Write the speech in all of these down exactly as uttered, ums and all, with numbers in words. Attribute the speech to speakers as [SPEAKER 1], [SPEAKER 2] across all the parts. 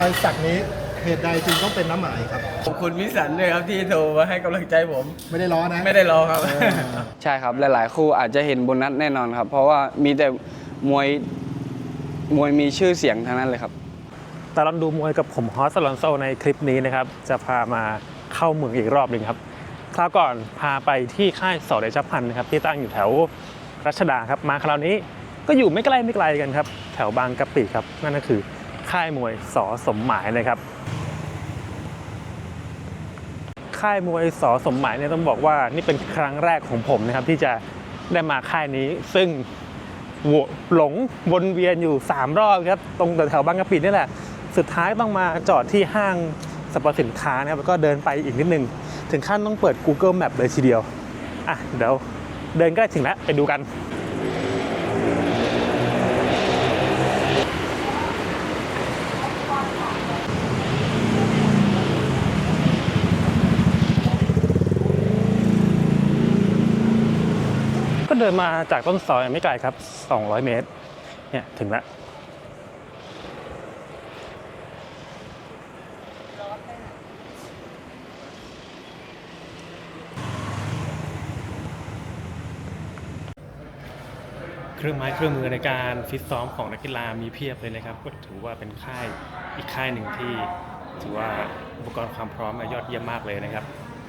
[SPEAKER 1] รอยสักนี้เหตุใดจึงต้องเป็นน้ำหมายครับ
[SPEAKER 2] ขอบคุณพี่สันด้วยครับที่โทรมาให้กำลังใจผม
[SPEAKER 1] ไม่ได้ล้อนะ
[SPEAKER 2] ไม่ได้รอครับ
[SPEAKER 3] ใช่ครับหลายๆคู่อาจจะเห็นโบนัสแน่นอนครับเพราะว่ามีแต่มวยมวยมีชื่อเสียงทั้งนั้นเลยครับ
[SPEAKER 4] ตลอดดูมวยกับผมฮอสลอนโซในคลิปนี้นะครับจะพามาเข้าเมืองอีกรอบหนึ่งครับคราวก่อนพาไปที่ค่ายสอเดชพันธ์นะครับที่ตั้งอยู่แถวรัชดาครับมาคราวนี้ก็อยู่ไม่ไกลไม่ไกลกันครับแถวบางกะปิครับนั่นก็คือค่ายมวยสอสมหมายนะครับค่ายมวยสอสมหมายเนี่ยต้องบอกว่านี่เป็นครั้งแรกของผมนะครับที่จะได้มาค่ายนี้ซึ่งหลงวนเวียนอยู่สามรอบครับตรงแถวบางกะปินี่แหละสุดท้ายต้องมาจอดที่ห้างสรรพสินค้านะครับแล้วก็เดินไปอีกนิดนึงถึงขั้นต้องเปิด Google Map เลยทีเดียวอ่ะเดี๋ยวเดินใกล้ถึงแล้วไปดูกันก็เดินมาจากต้นซอยไม่ไกลครับสองร้อยเมตรเนี่ยถึงแล้วเครื่องไม้เครื่องมือในการฟิตซ้อมของนักกีฬามีเพียบเลยนะครับก็ถือว่าเป็นค่ายอีกค่ายหนึ่งที่ถือว่าอุปกรณ์ความพร้อมยอดเยี่ยมมากเลยนะครับ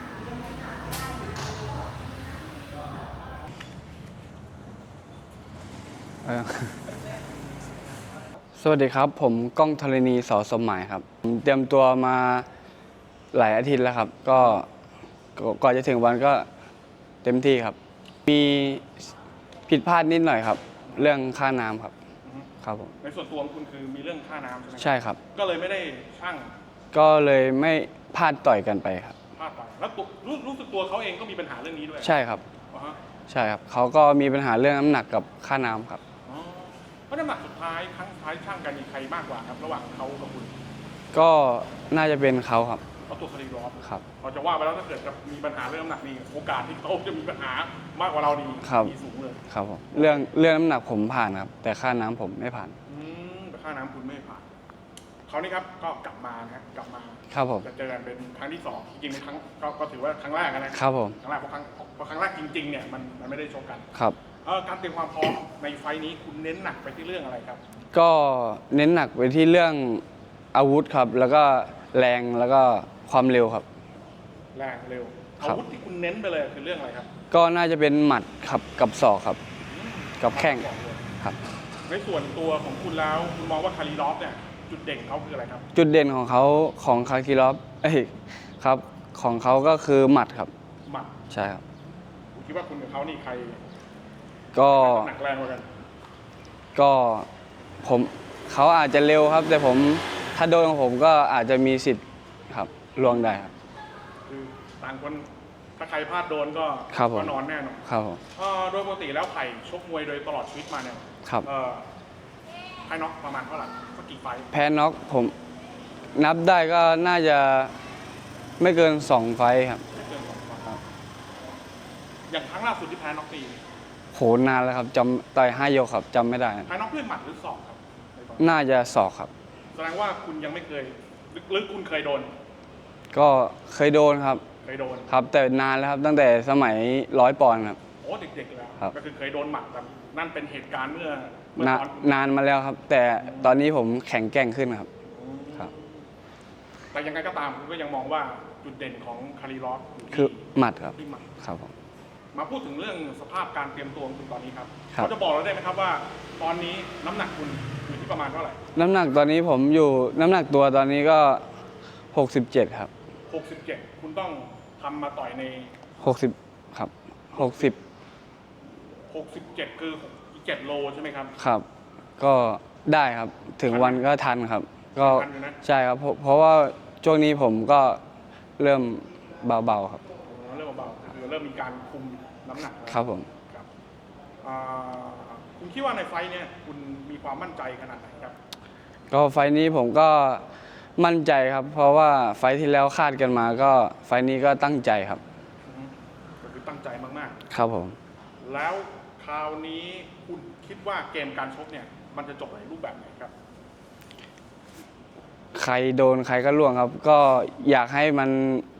[SPEAKER 3] สวัสดีครับผมก้องธรณีสอสมหมายครับผมเตรียมตัวมาหลายอาทิตย์แล้วครับก็ก่อนจะถึงวันก็เต็มที่ครับมีผิดพลาดนิดหน่อยครับเรื่องค่าน้ำครับครับผม
[SPEAKER 5] ในส่วนตัวของคุณคือมีเรื่องค่าน้ำใช่ไหม
[SPEAKER 3] ใช่ครับ
[SPEAKER 5] ก็เลยไม่ได้ช่าง
[SPEAKER 3] ก็เลยไม่พลาดต่อยกันไปครับ
[SPEAKER 5] พลาดไปแล้วรู้รู้สึกตัวเขาเองก็มีปัญหาเรื่องนี้ด้วย
[SPEAKER 3] ใช่ครับ
[SPEAKER 5] uh-huh.
[SPEAKER 3] ใช่ครับเขาก็มีปัญหาเรื่องน้ำหนักกับค่าน้ำครับ
[SPEAKER 5] เพราะน้ำหนักสุดท้ายครั้งสุดท้ายช่างกันมีใครมากกว่าครับระหว่างเขากับคุณ
[SPEAKER 3] ก็น่าจะเป็นเขาครับ
[SPEAKER 5] เขาตัวคดีรอบ
[SPEAKER 3] ครับ
[SPEAKER 5] เราจะว่าไปแล้วถ้าเกิดกับมีปัญหาเรื่องน้ำหนักนี่โอกาสที่เขาจะมีปัญหามากกว่าเราดีมีสูงเลย
[SPEAKER 3] ครับผมเรื่องเรื่องน้ำหนักผมผ่านครับแต่ค่าน้ำผมไม่ผ่าน
[SPEAKER 5] อืมแต่ค่าน้ำคุณไม่ผ่านเขานี่ครับก็กลับมานะกลับมา
[SPEAKER 3] ครับผม
[SPEAKER 5] จะเจอกันเป็นครั้งที่สองจริงๆเป็นครั้งก็ถือว่าครั้งแรกนะครับ
[SPEAKER 3] ผม
[SPEAKER 5] ครั้งแรกเพราะครั้งเพราะครั้งแรกจริงๆเนี่ยมันมันไม่ได้ชกกัน
[SPEAKER 3] ครับ
[SPEAKER 5] การเตรียมความพร้อมในไฟนี้คุณเน้นหนักไปที่เรื่องอะไรครับ
[SPEAKER 3] ก็เน้นหนักไปที่เรื่องอาวุธครับแล้วก็แรงแล้วก็ความเร็วครับ
[SPEAKER 5] แรงเร็วอาวุธที่คุณเน้นไปเลยคือเรื่องอะไรครับ
[SPEAKER 3] ก็น่าจะเป็นหมัดครับกับศอกครับกับแข้งครับ
[SPEAKER 5] ในส่วนตัวของคุณแล้วคุณมองว่าคาริลอฟเนี่ยจุดเด่นเขาคืออะไรครับ
[SPEAKER 3] จุดเด่นของเขาของคาริลอฟเอ้ยครับของเขาก็คือหมัดครับ
[SPEAKER 5] หมัด
[SPEAKER 3] ใช่ครับ
[SPEAKER 5] คุณคิดว่าคุณกับเขานี่ใคร
[SPEAKER 3] ก็
[SPEAKER 5] หนักแรงกว่ากัน
[SPEAKER 3] ก็ผมเขาอาจจะเร็วครับแต่ผมถ้าโดนของผมก็อาจจะมีสิทธิ์ครับล่วงได้ครับ
[SPEAKER 5] คือต่างคนถ้าใครพลาดโดนก็
[SPEAKER 3] ก็
[SPEAKER 5] นอนแน่นอน
[SPEAKER 3] ครับผม
[SPEAKER 5] โดยปกติแล้วไผ่ชกมวยโดยตลอดชีวิตมาเนี่ย
[SPEAKER 3] ครับ
[SPEAKER 5] แพ้น็อกประมาณเท่าไหร่สักกี่ไฟ
[SPEAKER 3] แพ้น็อกผมนับได้ก็น่าจะไม่เกินสองไฟครับ
[SPEAKER 5] ไม่เกินสองไฟครับอย่างครั้งล่าสุดที่แพ้น็อกตี
[SPEAKER 3] โหนานแล้วครับจำต่อยห้ายกครับจำไม่ได้
[SPEAKER 5] แพ้น็อกด้วยหมัดหรือศอกครับ
[SPEAKER 3] น่าจะศอกครับ
[SPEAKER 5] แสดงว่าคุณยังไม่เคยหรือคุณเคยโดน
[SPEAKER 3] ก็เคยโดนครับ
[SPEAKER 5] เคยโดน
[SPEAKER 3] ครับแต่นานแล้วครับตั้งแต่สมัยร้อยปอนด์ครับ
[SPEAKER 5] โอ้เด็กๆแล้วก็คือเคยโดนหมัดแต่นั่นเป็นเหตุการณ์เมื่อ
[SPEAKER 3] เมื่อนานมาแล้วครับแต่ตอนนี้ผมแข็งแกร่งขึ้นครับครับ
[SPEAKER 5] แต่ยังไงก็ตามคุณก็ยังมองว่าจุดเด่นของคาริลอฟ
[SPEAKER 3] คือหมัดครับ
[SPEAKER 5] ที่หมัด
[SPEAKER 3] ครับผม
[SPEAKER 5] มาพูดถึงเรื่องสภาพการเตรียมตัวของคุณตอนนี้ครับเขาจะบอกเราได้ไหมครับว่าตอนนี้น้ำหนักคุณอยู่ที่ประมาณเท่าไหร่
[SPEAKER 3] น้ำหนักตอนนี้ผมอยู่น้ำหนักตัวตอนนี้ก็หกสิบเจ็ดครับ
[SPEAKER 5] หกสิบเจ็ดคุณต้องทำมาต่อยใน
[SPEAKER 3] หกสิบครับหกสิบ
[SPEAKER 5] หกสิบเจ็ดคือเจ็ดโลใช่ไหมครับ
[SPEAKER 3] ครับก็ได้ครับถึงวันก็ทันครับก็ใช่ครับเพราะว่าช่วงนี้ผมก็เริ่มเบาๆครับ
[SPEAKER 5] เริ่มเบาๆคือเริ่มมีการคุมน้ำหนัก
[SPEAKER 3] ครับผม
[SPEAKER 5] ครับคุณคิดว่าในไฟเนี่ยคุณมีความมั่นใจขนาดไหนครับ
[SPEAKER 3] ก็ไฟนี้ผมก็มั่นใจครับเพราะว่าไฟที่แล้วคาดกันมาก็ไฟนี้ก็ตั้งใจครับ
[SPEAKER 5] ก็คือตั้งใจมาก
[SPEAKER 3] ๆครับผม
[SPEAKER 5] แล้วคราวนี้คุณคิดว่าเกมการชกเนี่ยมันจะจบในรูปแบบไหนครับ
[SPEAKER 3] ใครโดนใครก็ล่วงครับ ก็อยากให้มัน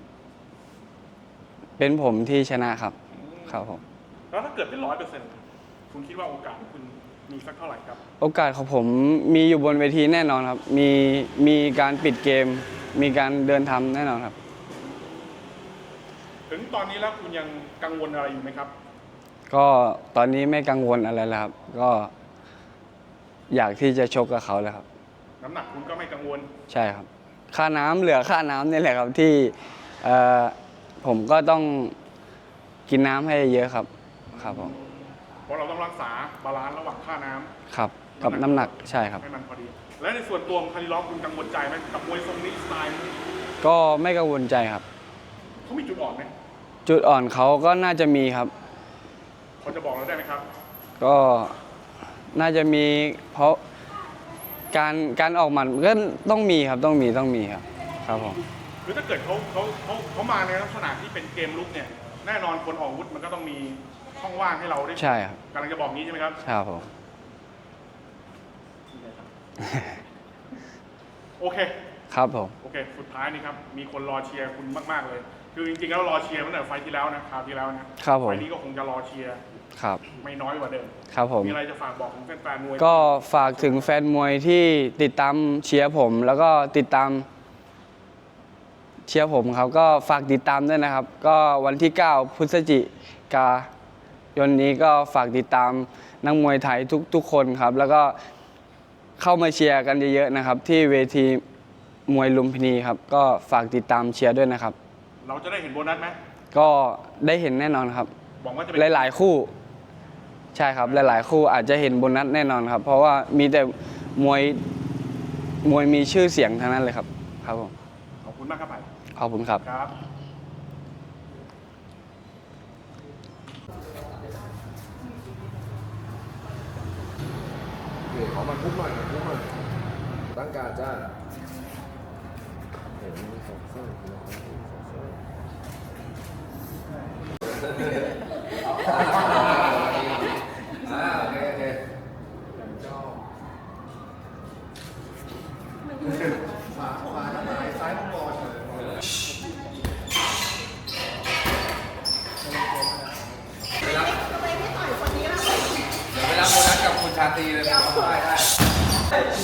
[SPEAKER 3] เป็นผมที่ชนะครับครับผม
[SPEAKER 5] แล้วถ้าเกิดเป็นร้อยเปอร์เซ็นต์คุณคิดว่าโอกาสของคุณมีสักเท่าไหร่ครับ
[SPEAKER 3] โอกาสของผมมีอยู่บนเวทีแน่นอนครับ มีมีการปิดเกม มีการเดินทำแน่นอนครับ
[SPEAKER 5] ถึงตอนนี้แล้วคุณยังกังวลอะไรอยู่ไหมครับ
[SPEAKER 3] ก็ตอนนี้ไม่กังวลอะไรแล้วครับ ก็อยากที่จะชกกับเขาแล้วครับ
[SPEAKER 5] น้ำหนักคุณก็ไม่กังวล
[SPEAKER 3] ใช่ครับ ค่าน้ำเหลือค่าน้ำนี่แหละครับที่เอ่อผมก็ต้องกินน้ำให้เยอะครับครับผม
[SPEAKER 5] เพราะเราต้องรักษาบาลานซ์ระหว่างค่าน้ำ
[SPEAKER 3] ครับกับน้ำหนักใช่ครับ
[SPEAKER 5] ให้มันพอดี และในส่วนตัวของคาริลอฟคุณกังวลใจไหมกับมวยทรงนี้สไตล์นี้
[SPEAKER 3] ก็ไม่กังวลใจครับ
[SPEAKER 5] เขามีจุดอ่อนไหม
[SPEAKER 3] จุดอ่อนเขาก็น่าจะมีครับ
[SPEAKER 5] เขาจะบอกเราได้ไหมครับ
[SPEAKER 3] ก็น่าจะมีเพราะการการออกหมัดก็ต้องมีครับต้องมีต้องมีครับครับผม
[SPEAKER 5] คือถ้าเกิดเขาเขาเขาเขามาในลักษณะที่เป็นเกมลุกเนี่ยแน่นอนคนออกอาวุธมันก็ต้องมีช่องว่างให้เราได้
[SPEAKER 3] ใช่ครับ
[SPEAKER 5] กำลังจะบอกงี้ใช่ไหมครับ
[SPEAKER 3] ครับผม
[SPEAKER 5] โอเค
[SPEAKER 3] ครับผม
[SPEAKER 5] โอเค สุดท้ายนี่ครับ มีคนรอเชียร์คุณมากๆเลย คือจริงๆแล้วรอเชียร์ตั้งแต่ไฟล์ที่แล้วนะคราวที่แล้วนะครับ
[SPEAKER 3] ผม
[SPEAKER 5] ไฟล์นี้ก็คงจะรอเชียร์
[SPEAKER 3] ครับ
[SPEAKER 5] ไม่น้อยกว่าเดิม
[SPEAKER 3] ครับผม
[SPEAKER 5] มีอะไรจะฝากบอกถึงแฟนๆมวย
[SPEAKER 3] ก็ฝากถึงแฟนมวยที่ติดตามเชียร์ผม แล้วก็ติดตามเชียร์ผมครับก็ฝากติดตามด้วยนะครับ ก็วันที่เก้าพฤศจิกายนนี้ก็ฝากติดตามนักมวยไทยทุกทุกคนครับ แล้วก็เข้ามาเชียร์กันเยอะๆนะครับ ที่เวทีมวยลุมพินีครับ ก็ฝากติดตามเชียร์ด้วยนะครับ
[SPEAKER 5] เราจะได้เห็นโบนัสไหม
[SPEAKER 3] ก็ได้เห็นแน่นอนครับ
[SPEAKER 5] หวังว่าจะเป็น
[SPEAKER 3] หลายๆคู่ ใช่ครับหลายๆคู่อาจจะเห็นโบนัสแน่นอนครับ เพราะว่ามีแต่มวยมวยมีชื่อเสียงทั้งนั้นเลยครับครับผม
[SPEAKER 5] ขอบคุณมากครับไผ่
[SPEAKER 3] ขอบคุณครับ
[SPEAKER 5] ครับ
[SPEAKER 6] เดี๋ยวขอมันคุกหน่อยคุกหน่อยตั้งการจ้าเห็นสองเส้นสองเส้นสองเส้นอ่าโอเคโอเคชอบ
[SPEAKER 1] ขวาขวาน้ำหมายซ้ายมังกร
[SPEAKER 6] ไปรับเดี๋ยวไปรับโบนัสกับคุณชาตรีเลยนะครับได้ได้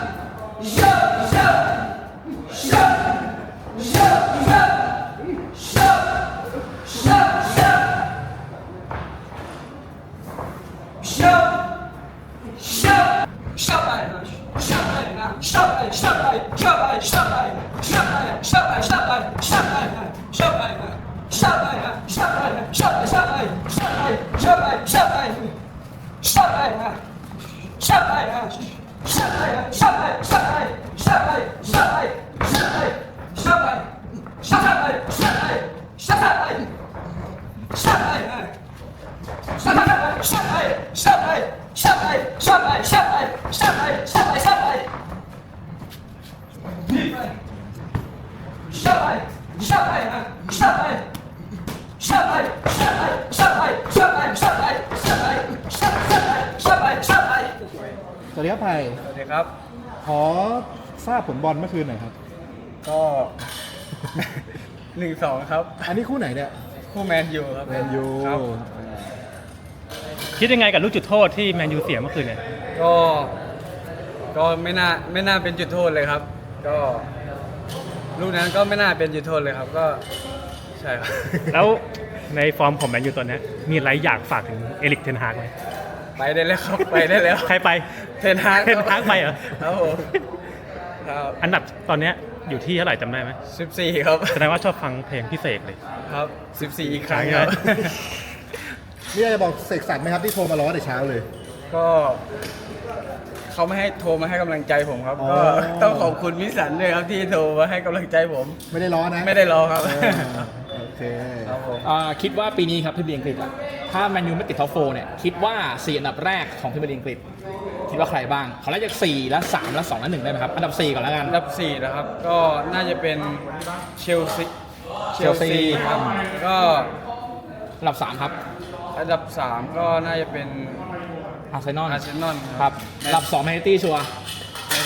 [SPEAKER 1] สวัสดีครับไผ่
[SPEAKER 2] สวัสดีครับ
[SPEAKER 1] ขอทราบผลบอลเมื่อคืนหน่อยครับ
[SPEAKER 2] ก็ หนึ่งสองครับ
[SPEAKER 1] อันนี้คู่ไหนเนี่ย
[SPEAKER 2] คู่แมนยูครับ
[SPEAKER 1] แมนยู
[SPEAKER 2] ครับ
[SPEAKER 4] คิดยังไงกับลูกจุดโทษที่แมนยูเสียเมื่อคืนเนี่ย
[SPEAKER 2] ก็ก็ไม่น่าไม่น่าเป็นจุดโทษเลยครับ ก็ลูกนั้นก็ไม่น่าเป็นจุดโทษเลยครับ ก็ใช่ครับ
[SPEAKER 4] แล้วในฟอร์มของแมนยูตัวเนี้ยมีอะไรอยากฝากถึงเอริกเทนฮากไหม
[SPEAKER 2] ไปได้แล้วครับ ไปได้แล้ว
[SPEAKER 4] ใครไป
[SPEAKER 2] เทนฮาก
[SPEAKER 4] เทนฮากไปเหรอ
[SPEAKER 2] ครับผมครับ
[SPEAKER 4] อันดับตอนเนี้ยอยู่ที่เท่าไหร่จำได้ไหม
[SPEAKER 2] สิบสี่ครับ
[SPEAKER 4] แสดงว่าชอบฟังเพลงพิเศษเลย
[SPEAKER 2] ครับสิบสี่อีกครั้ง
[SPEAKER 4] ใช่
[SPEAKER 2] ครับ
[SPEAKER 4] ไหม
[SPEAKER 1] นี่จะบอกเสกสรรไหมครับที่โทรมาล้อแต่เช้าเลย
[SPEAKER 2] ก็เขาไม่ให้โทรมาให้กำลังใจผมครับ
[SPEAKER 1] อ๋อ
[SPEAKER 2] ก็ต้องขอบคุณมิสันด้วยครับที่โทรมาให้กำลังใจผม
[SPEAKER 1] ไม่ได้ล้อนะ
[SPEAKER 2] ไม่ได้รอครับ
[SPEAKER 1] เออโอเค
[SPEAKER 2] ครับผม
[SPEAKER 7] อ่าคิดว่าปีนี้ครับพรีเมียร์ลีกอังกฤษอะถ้าแมนยูไม่ติดท็อปโฟร์เนี่ยคิดว่าสี่อันดับแรกของพรีเมียร์ลีกอังกฤษคิดว่าใครบ้างขอไล่จากสี่แล้วสามแล้วสองแล้วหนึ่งได้ไหมครับอันดับสี่ก่อนแล้วกัน
[SPEAKER 2] อันดับสี่นะครับ ก็น่าจะเป็นเชลซี
[SPEAKER 7] เชลซี
[SPEAKER 2] ครับ ก็
[SPEAKER 7] อันดับสามครับ
[SPEAKER 2] อันดับสามก็น่าจะเป็น
[SPEAKER 7] อาร์เซนอล
[SPEAKER 2] อาร์เซนอล
[SPEAKER 7] ครับอันดับสองแมนซิตี้ชัวร์
[SPEAKER 2] แมนซ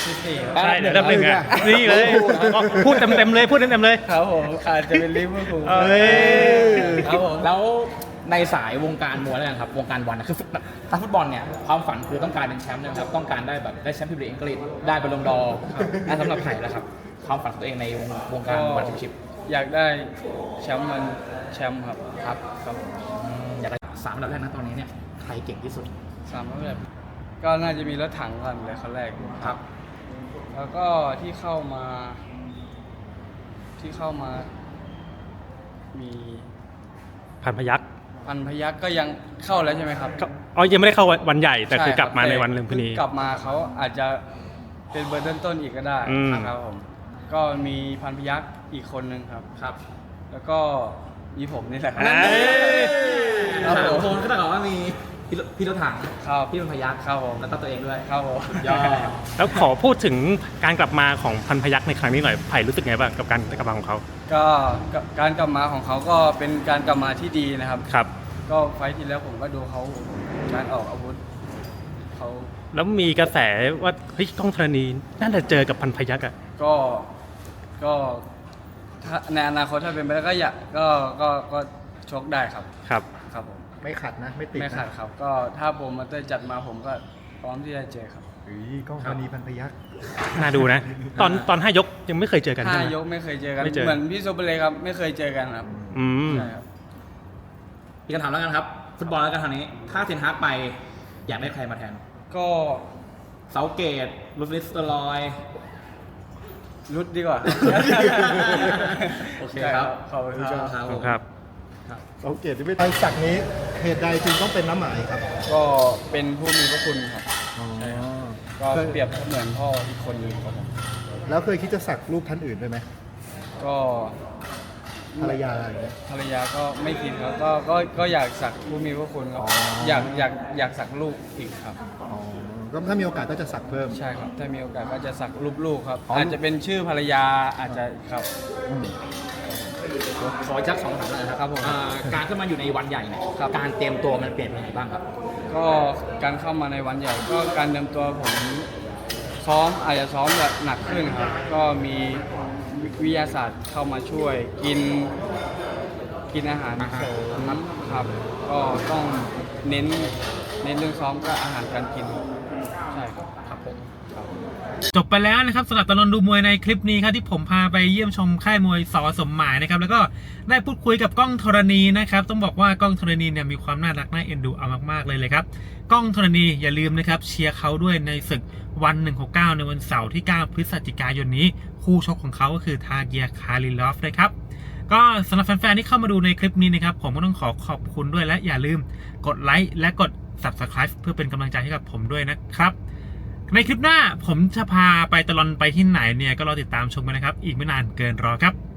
[SPEAKER 2] ที่สี่ครับ
[SPEAKER 4] ใช่อันดับหนึ่งอ่ะนี่เลยพูดเต็มๆเลยพูดเต็มๆเลย
[SPEAKER 2] ครับผมอาจจะเป็นลิเวอร์พูล
[SPEAKER 4] เอ้ย
[SPEAKER 2] ครับผม
[SPEAKER 7] แล้วในสายวงการมวยแล้วกันครับวงการบอลนะคือฟุตถ้าฟุตบอลเนี่ยความฝันคือต้องการเป็นแชมป์นะครับต้องการได้แบบได้แชมป์พรีเมียร์ลีกอังกฤษได้บอลลงดอร์และสำหรับไผ่แล้วครับความฝันของตัวเองในวงวงการบอลแชมเปี้ยนชิพ
[SPEAKER 2] อยากได้แชมป์มันแชมป์ครับ
[SPEAKER 7] ครับ
[SPEAKER 2] ครับ
[SPEAKER 7] อืมอยากได้สามอันดับแรกนะตอนนี้เนี่ยใครเก่งที่สุด
[SPEAKER 2] สามแบบก็น่าจะมีรถถังก่อนเลยคนแรก
[SPEAKER 7] ครับ
[SPEAKER 2] แล้วก็ที่เข้ามา ที่เข้ามา มี
[SPEAKER 4] พันพยัก
[SPEAKER 2] พันพยักก็ยังเข้าแล้วใช่ไหมครับ
[SPEAKER 4] อ๋อยังไม่ได้เข้าวันใหญ่แต่คือ
[SPEAKER 2] ช่
[SPEAKER 4] กลับมา
[SPEAKER 2] รับ
[SPEAKER 4] ในวันลุมพินี
[SPEAKER 2] กลับมาเขาอาจจะเป็นเบอร์ต้นๆอีกก็ได้
[SPEAKER 4] อืม
[SPEAKER 2] ครับผมก็มีพันพยักอีกคนนึงครับ
[SPEAKER 7] ครับ
[SPEAKER 2] แล้วก็มีผมนี่แหละครับ
[SPEAKER 4] เอ้ย
[SPEAKER 2] ครับผม
[SPEAKER 7] โคนก็ต้องบอกว่ามีพี่รพี่รถถัง
[SPEAKER 2] ครับ
[SPEAKER 7] พี่เป็นพยัก
[SPEAKER 2] ครับผม
[SPEAKER 7] แล้วก็ตัวเองด้วย
[SPEAKER 2] ครับผม
[SPEAKER 7] ยอด
[SPEAKER 4] แล้วขอพูดถึงการกลับมาของพันพยักในครั้งนี้หน่อยไผ่รู้สึกไงบ้างกับการกลับมาของเขา
[SPEAKER 2] ก็การกลับมาของเขาก็เป็นการกลับมาที่ดีนะครับ
[SPEAKER 4] ครับ
[SPEAKER 2] ก็ไฟท์ที่แล้วผมก็ดูเขาการออกอาวุธเขา
[SPEAKER 4] แล้วมีกระแสว่าเฮ้ยกล้องธรณีน่าจะเจอกับพันพยักอ่ะ
[SPEAKER 2] ก็ก็ถ้าในอนาคตถ้าเป็นไปได้ก็อยากก็ก็ก็ชกได้ครับ
[SPEAKER 4] ครับ
[SPEAKER 2] ครับผม
[SPEAKER 1] ไม่ขัดนะ ไม่ติด
[SPEAKER 2] ไม่
[SPEAKER 1] นะ
[SPEAKER 2] ขัดครับ ก็ถ้าผมมาเตอร์จัดมาผมก็พร้อมที่จะเจอครับ
[SPEAKER 1] เฮ้ยกล้องธรณีพันพยักษ์
[SPEAKER 4] น่าดูนะ ตอนตอนห้ายกยังไม่เคยเจอกัน
[SPEAKER 2] ห้า
[SPEAKER 4] ใช่ไหม
[SPEAKER 2] ยกไม่เคยเจอกัน
[SPEAKER 4] ไม่เจอ
[SPEAKER 2] เหมือนพี่โซเปเลยครับ ไม่เคยเจอกันครับ
[SPEAKER 4] อืม
[SPEAKER 2] ใช่ครับ
[SPEAKER 7] พี่กันถามแล้วกันครับ ฟุตบอลแล้วกันทางนี้ ถ้าเทนฮากไปอยากได้ใครมาแทน
[SPEAKER 2] ก็
[SPEAKER 7] เซาเกตลูฟิสเตอร์ลอย
[SPEAKER 2] รุดดีกว่า
[SPEAKER 7] โอเคครับ
[SPEAKER 2] ขอบคุณครับ
[SPEAKER 7] ครับผม
[SPEAKER 4] ครับ
[SPEAKER 1] เราเกตที่ไม่ไปสักนี้เหตุใดจึงต้องเป็นน้ำหมายครับ
[SPEAKER 2] ก็เป็นผู้มีพระคุณครับ
[SPEAKER 1] อ๋อ
[SPEAKER 2] ก็เปรียบเหมือนพ่ออีกคนหนึงครับผม
[SPEAKER 1] แล้วเคยคิดจะสักรูปท่านอื่นด้วยไหม
[SPEAKER 2] ก็
[SPEAKER 1] ภรรยาอะไรอย่างเงี้ย
[SPEAKER 2] ภรรยาก็ไม่คิดครับก็ก็ก็อยากสักผู้มีพระคุณครับ
[SPEAKER 1] อ๋ออ
[SPEAKER 2] อยากอยากอยากสักลูกอีกครับ
[SPEAKER 1] อ๋อก็ถ้ามีโอกาสก็จะสักเพิ่ม
[SPEAKER 2] ใช่ครับ ถ้ามีโอกาสก็จะสักรูปลูกครับ
[SPEAKER 1] อ๋ออ
[SPEAKER 2] อาจจะเป็นชื่อภรรยาอาจจะครับ
[SPEAKER 1] อืม
[SPEAKER 7] ขออีกสักสองคำถามเลยนะครับ
[SPEAKER 2] ครับผม
[SPEAKER 7] อ่าการขึ้นมาอยู่ในวันใหญ่เนี่ย
[SPEAKER 2] ครับ
[SPEAKER 7] การเตรียมตัวมันเปลี่ยนไปยังไงบ้างครับ
[SPEAKER 2] ก็การเข้ามาในวันใหญ่ก็การเตรียมตัวผมซ้อมอาจจะซ้อมแบบหนักขึ้นครับ ก็มีวิทยาศาสตร์เข้ามาช่วยกินกินอาหารเสริมครับ ก็ต้องเน้นเน้นเรื่องซ้อมก็อาหารการกินใช่ครับครับผม
[SPEAKER 4] จบไปแล้วนะครับสำหรับตลอดดูมวยในคลิปนี้ครับที่ผมพาไปเยี่ยมชมค่ายมวยสอสมหมายนะครับแล้วก็ได้พูดคุยกับก้องธรณีนะครับต้องบอกว่าก้องธรณีเนี่ยมีความน่ารักน่าเอ็นดูเอามากๆเลยเลยครับก้องธรณีอย่าลืมนะครับเชียร์เขาด้วยในศึกวันหนึ่งหกเก้าในวันเสาร์ที่เก้าพฤศจิกายนนี้คู่ชกของเขาก็คือทาเกียร์คาริลอฟนะครับก็สำหรับแฟนๆที่เข้ามาดูในคลิปนี้นะครับผมก็ต้องขอขอบคุณด้วยและอย่าลืมกดไลค์และกด ซับสไครบ์ เพื่อเป็นกำลังใจให้กับผมด้วยนะครับในคลิปหน้าผมจะพาไปตลอดไปที่ไหนเนี่ยก็รอติดตามชมกันนะครับอีกไม่นานเกินรอครับ